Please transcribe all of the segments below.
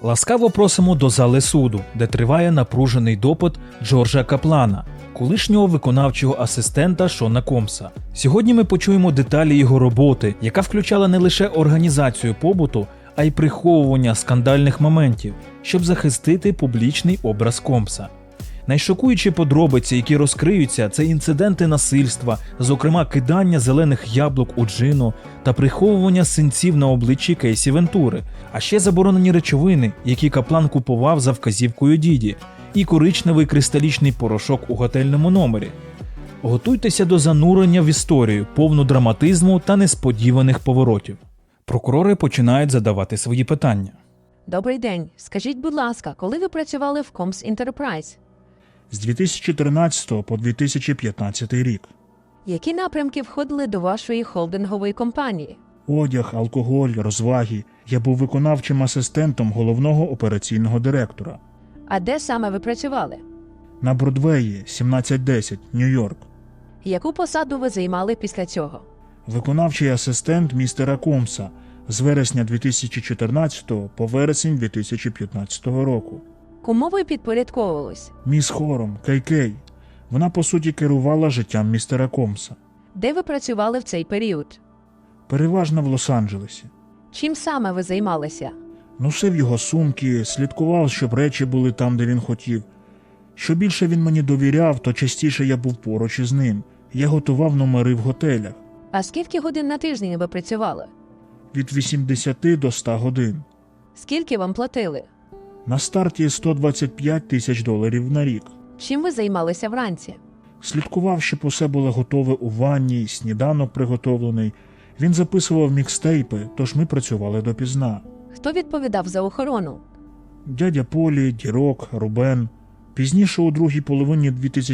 Ласкаво просимо до зали суду, де триває напружений допит Джорджа Каплана, колишнього виконавчого асистента Шона Комса. Сьогодні ми почуємо деталі його роботи, яка включала не лише організацію побуту, а й приховування скандальних моментів, щоб захистити публічний образ Комса. Найшокуючі подробиці, які розкриються, це інциденти насильства, зокрема кидання зелених яблук у Джину та приховування синців на обличчі Кейсі Вентури, а ще заборонені речовини, які Каплан купував за вказівкою Діді, і коричневий кристалічний порошок у готельному номері. Готуйтеся до занурення в історію, повну драматизму та несподіваних поворотів. Прокурори починають задавати свої питання. Добрий день. Скажіть, будь ласка, коли ви працювали в Combs Enterprise? З 2013 по 2015 рік. Які напрямки входили до вашої холдингової компанії? Одяг, алкоголь, розваги. Я був виконавчим асистентом головного операційного директора. А де саме ви працювали? На Бродвеї, 1710, Нью-Йорк. Яку посаду ви займали після цього? Виконавчий асистент містера Комса з вересня 2014 по вересень 2015 року. Кому ви підпорядковувались? Міс Хором, Кей. Вона, по суті, керувала життям містера Комса. Де ви працювали в цей період? Переважно в Лос-Анджелесі. Чим саме ви займалися? Носив його сумки, слідкував, щоб речі були там, де він хотів. Що більше він мені довіряв, то частіше я був поруч із ним. Я готував номери в готелях. А скільки годин на тиждень ви працювали? Від 80 до 100 годин. Скільки вам платили? На старті $125 тисяч на рік. Чим ви займалися вранці? Слідкував, щоб усе було готове у ванні, сніданок приготовлений. Він записував мікстейпи, тож ми працювали допізна. Хто відповідав за охорону? Дядя Полі, Дірок, Рубен. Пізніше у другій половині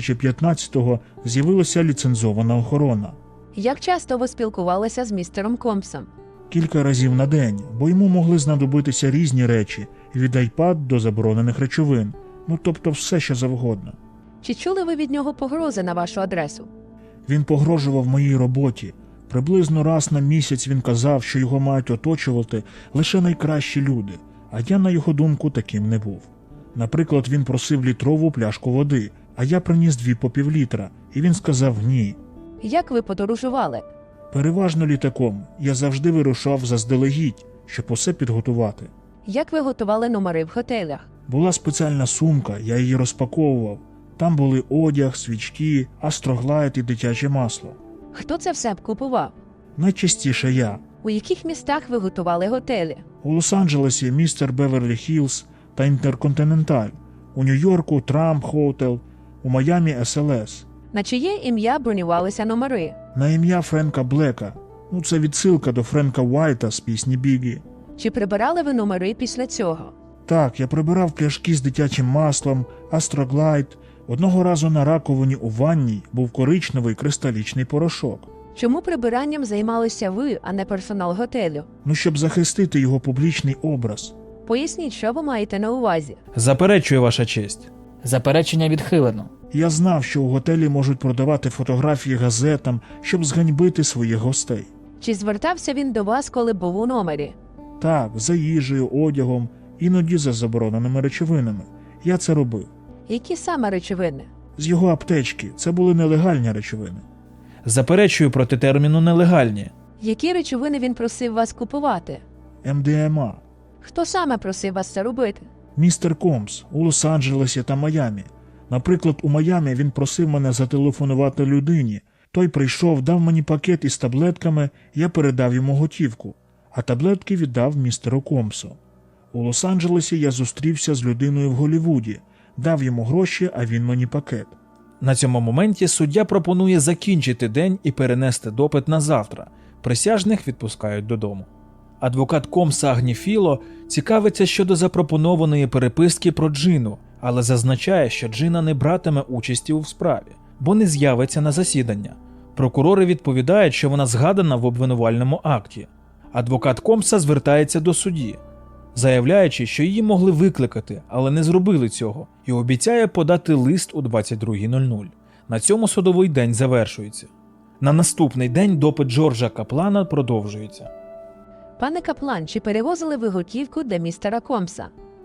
2015-го з'явилася ліцензована охорона. Як часто ви спілкувалися з містером Комсом? Кілька разів на день, бо йому могли знадобитися різні речі, від iPad до заборонених речовин. Тобто все, що завгодно. Чи чули ви від нього погрози на вашу адресу? Він погрожував моїй роботі. Приблизно раз на місяць він казав, що його мають оточувати лише найкращі люди, а я, на його думку, таким не був. Наприклад, він просив літрову пляшку води, а я приніс 2 по півлітра, і він сказав ні. Як ви подорожували? Переважно літаком. Я завжди вирушав заздалегідь, щоб усе підготувати. Як ви готували номери в готелях? Була спеціальна сумка, я її розпаковував. Там були одяг, свічки, астроглайд і дитяче масло. Хто це все купував? Найчастіше я. У яких містах ви готували готелі? У Лос-Анджелесі містер Беверлі Хіллз та Інтерконтиненталь. У Нью-Йорку Трамп Хотел, у Майамі СЛС. На чиє ім'я бронювалися номери? На ім'я Френка Блека. Це відсилка до Френка Уайта з пісні Бігі. Чи прибирали ви номери після цього? Так, я прибирав пляшки з дитячим маслом, астроглайд. Одного разу на раковині у ванній був коричневий кристалічний порошок. Чому прибиранням займалися ви, а не персонал готелю? Щоб захистити його публічний образ. Поясніть, що ви маєте на увазі. Заперечую, ваша честь. Заперечення відхилено. Я знав, що у готелі можуть продавати фотографії газетам, щоб зганьбити своїх гостей. Чи звертався він до вас, коли був у номері? Так, за їжею, одягом, іноді за забороненими речовинами. Я це робив. Які саме речовини? З його аптечки. Це були нелегальні речовини. Заперечую проти терміну «нелегальні». Які речовини він просив вас купувати? МДМА. Хто саме просив вас це робити? Містер Комс у Лос-Анджелесі та Майамі. Наприклад, у Майамі він просив мене зателефонувати людині. Той прийшов, дав мені пакет із таблетками, я передав йому готівку, а таблетки віддав містеру Комсу. У Лос-Анджелесі я зустрівся з людиною в Голлівуді, дав йому гроші, а він мені пакет. На цьому моменті суддя пропонує закінчити день і перенести допит на завтра. Присяжних відпускають додому. Адвокат Комса Агніфіло цікавиться щодо запропонованої переписки про Джину, але зазначає, що Джина не братиме участі у справі, бо не з'явиться на засідання. Прокурори відповідають, що вона згадана в обвинувальному акті. Адвокат Комса звертається до судді, заявляючи, що її могли викликати, але не зробили цього, і обіцяє подати лист у 22:00. На цьому судовий день завершується. На наступний день допит Джорджа Каплана продовжується. Пане Каплан, чи перевозили ви готівку для містера Комса?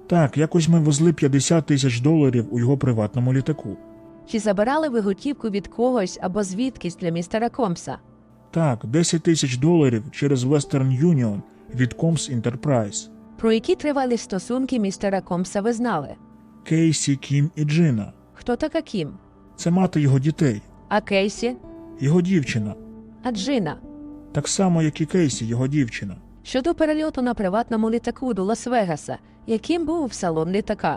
Так, якось ми везли $50,000 у його приватному літаку. Чи забирали ви готівку від когось або звідкись для містера Комса? Так, $10,000 через Western Union від Combs Enterprise. Про які тривалі стосунки містера Комса ви знали? Кейсі, Кім і Джина. Хто така Кім? Це мати його дітей. А Кейсі? Його дівчина. А Джина? Так само, як і Кейсі, його дівчина. Щодо перельоту на приватному літаку до Лас-Вегаса, яким був салон літака?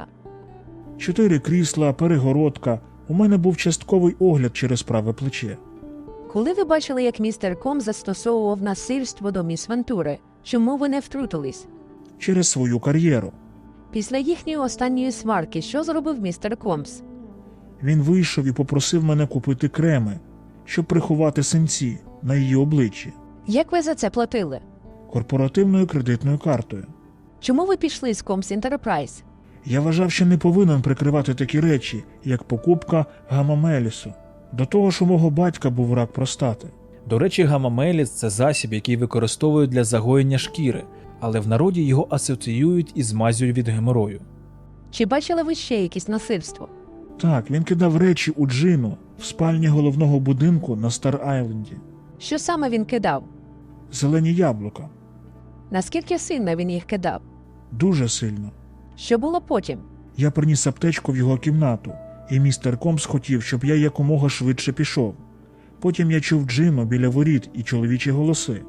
4 крісла, перегородка. У мене був частковий огляд через праве плече. Коли ви бачили, як містер Ком застосовував насильство до міс Вентури, чому ви не втрутились? Через свою кар'єру. Після їхньої останньої сварки, що зробив містер Комс? Він вийшов і попросив мене купити креми, щоб приховати синці на її обличчі, Як ви за це платили? корпоративною кредитною картою. Чому ви пішли з Комс Enterprise? Я вважав, що не повинен прикривати такі речі, як покупка гамамелісу. До того ж, у мого батька був рак простати. До речі, гамамеліс – це засіб, який використовують для загоєння шкіри, але в народі його асоціюють із мазю від геморою. Чи бачили ви ще якісь насильство? Так, він кидав речі у Джину в спальні головного будинку на Стар-Айленді. Що саме він кидав? Зелені яблука. Наскільки сильно він їх кидав? Дуже сильно. Що було потім? Я приніс аптечку в його кімнату, і містер Комс хотів, щоб я якомога швидше пішов. Потім я чув Джину біля воріт і чоловічі голоси.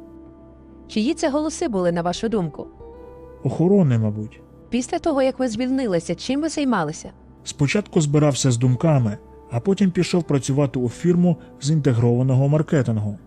Чиї це голоси були, на вашу думку? Охорони, мабуть. Після того, як ви звільнилися, чим ви займалися? Спочатку збирався з думками, а потім пішов працювати у фірму з інтегрованого маркетингу.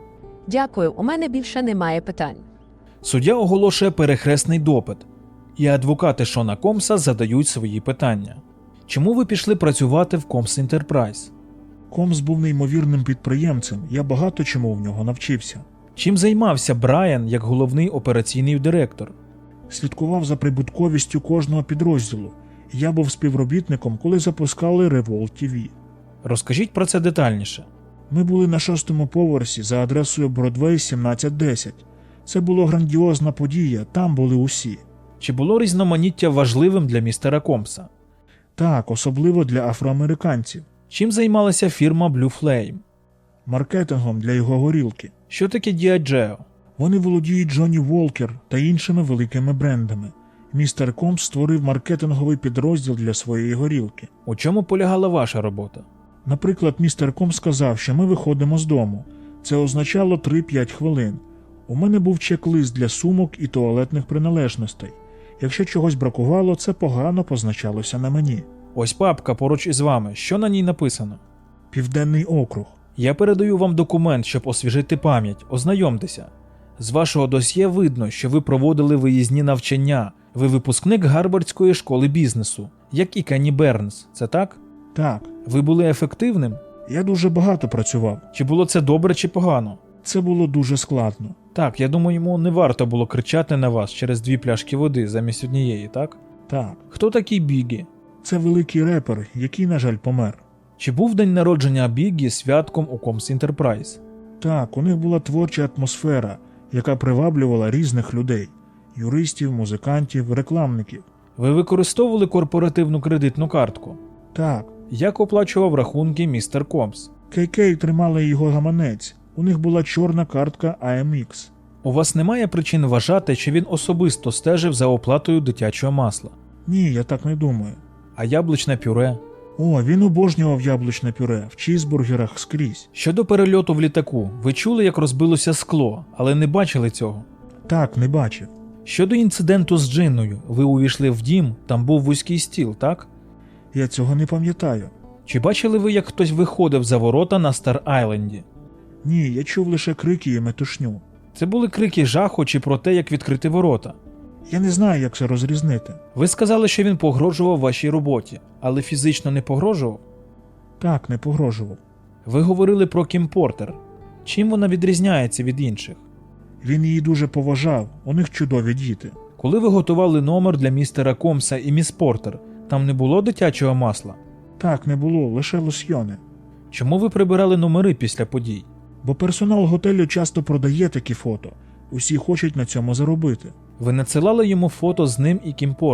Дякую, у мене більше немає питань. Суддя оголошує перехресний допит, і адвокати Шона Комса задають свої питання. Чому ви пішли працювати в Combs Enterprise? Комс був неймовірним підприємцем, я багато чому в нього навчився. Чим займався Брайан як головний операційний директор? Слідкував за прибутковістю кожного підрозділу. Я був співробітником, коли запускали Revolt TV. Розкажіть про це детальніше. Ми були на 6-му поверсі за адресою Бродвей 1710. Це була грандіозна подія, там були усі. Чи було різноманіття важливим для містера Комса? Так, особливо для афроамериканців. Чим займалася фірма Blue Flame? Маркетингом для його горілки. Що таке Діаджео? Вони володіють Джонні Волкер та іншими великими брендами. Містер Комс створив маркетинговий підрозділ для своєї горілки. У чому полягала ваша робота? Наприклад, містер Комс сказав, що ми виходимо з дому. Це означало 3-5 хвилин. У мене був чек-лист для сумок і туалетних приналежностей. Якщо чогось бракувало, це погано позначалося на мені. Ось папка поруч із вами. Що на ній написано? Південний округ. Я передаю вам документ, щоб освіжити пам'ять. Ознайомтеся. З вашого досьє видно, що ви проводили виїзні навчання. Ви випускник Гарвардської школи бізнесу, як і Кенні Бернс. Це так? Так, Ви були ефективним? я дуже багато працював. Чи було це добре, чи погано? Це було дуже складно. Так, я думаю, йому не варто було кричати на вас через 2 пляшки води замість однієї, так? Так, Хто такий Бігі? це великий репер, який, на жаль, помер. Чи був день народження Бігі святком у Combs Enterprise? Так, у них була творча атмосфера, яка приваблювала різних людей – юристів, музикантів, рекламників. Ви використовували корпоративну кредитну картку? Так, Як оплачував рахунки містер Комс? KK тримали його гаманець, у них була чорна картка AMX. У вас немає причин вважати, що він особисто стежив за оплатою дитячого масла? Ні, я так не думаю. А яблучне пюре? О, він обожнював яблучне пюре в чізбургерах скрізь. Щодо перельоту в літаку, ви чули, як розбилося скло, але не бачили цього? Так, не бачив. Щодо інциденту з Джинною, ви увійшли в дім, там був вузький стіл, так? Я цього не пам'ятаю. Чи бачили ви, як хтось виходив за ворота на Стар-Айленді? Ні, я чув лише крики і метушню. Це були крики жаху чи про те, як відкрити ворота? Я не знаю, як це розрізнити. Ви сказали, що він погрожував вашій роботі, але фізично не погрожував? Так, не погрожував. Ви говорили про Кім Портер. Чим вона відрізняється від інших? Він її дуже поважав, у них чудові діти. Коли ви готували номер для містера Комса і міс Портер, там не було дитячого масла? Так, не було, лише лосьйони. Чому ви прибирали номери після подій? Бо персонал готелю часто продає такі фото. Усі хочуть на цьому заробити. Ви надсилали йому фото з ним і Кім Портер?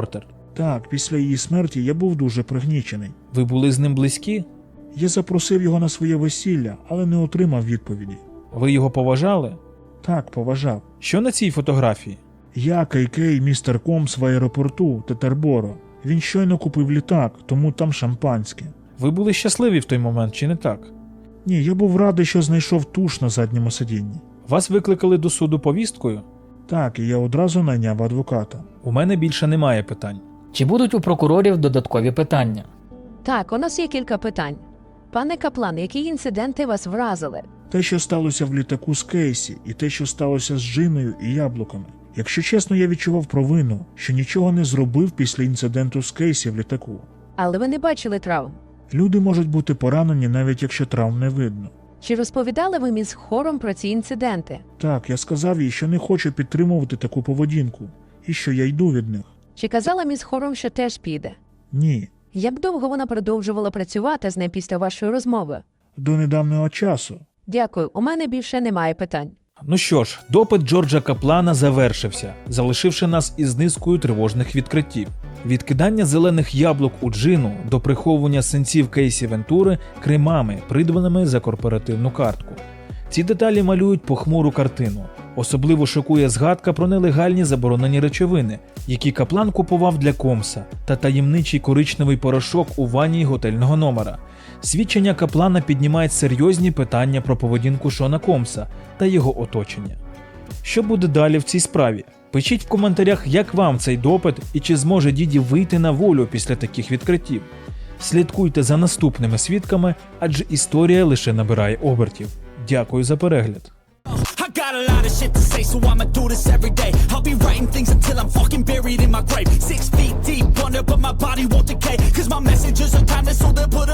Так, після її смерті я був дуже пригнічений. Ви були з ним близькі? Я запросив його на своє весілля, але не отримав відповіді. Ви його поважали? Так, поважав. Що на цій фотографії? Я, Кейкей, містер Комс в аеропорту Тетерборо. Він щойно купив літак, тому там шампанське. Ви були щасливі в той момент, чи не так? Ні, я був радий, що знайшов туш на задньому сидінні. Вас викликали до суду повісткою? Так, і я одразу найняв адвоката. У мене більше немає питань. Чи будуть у прокурорів додаткові питання? Так, у нас є кілька питань. Пане Каплан, які інциденти вас вразили? Те, що сталося в літаку з Кейсі, і те, що сталося з Джиною і яблуками. Якщо чесно, я відчував провину, що нічого не зробив після інциденту з Кейсі в літаку. Але ви не бачили травм. Люди можуть бути поранені, навіть якщо травм не видно. Чи розповідали ви міс Хором про ці інциденти? Так, я сказав їй, що не хочу підтримувати таку поведінку, і що я йду від них. Чи казала міс Хором, що теж піде? Ні. Як довго вона продовжувала працювати з нею після вашої розмови? До недавнього часу. Дякую, у мене більше немає питань. Ну що ж, допит Джорджа Каплана завершився, залишивши нас із низкою тривожних відкриттів. Від кидання зелених яблук у Джину до приховування синців Кейсі Вентури кремами, придбаними за корпоративну картку. Ці деталі малюють похмуру картину. Особливо шокує згадка про нелегальні заборонені речовини, які Каплан купував для Комса, та таємничий коричневий порошок у ванні готельного номера. Свідчення Каплана піднімають серйозні питання про поведінку Шона Комса та його оточення. Що буде далі в цій справі? Пишіть в коментарях, як вам цей допит і чи зможе Діді вийти на волю після таких відкриттів. Слідкуйте за наступними свідками, адже історія лише набирає обертів. Дякую за перегляд. I got a lot of shit to say, so I'ma do this every day. I'll be writing things until I'm fucking buried in my grave. 6 feet deep under, but my body won't decay. Cause my messages are timeless, so they'll put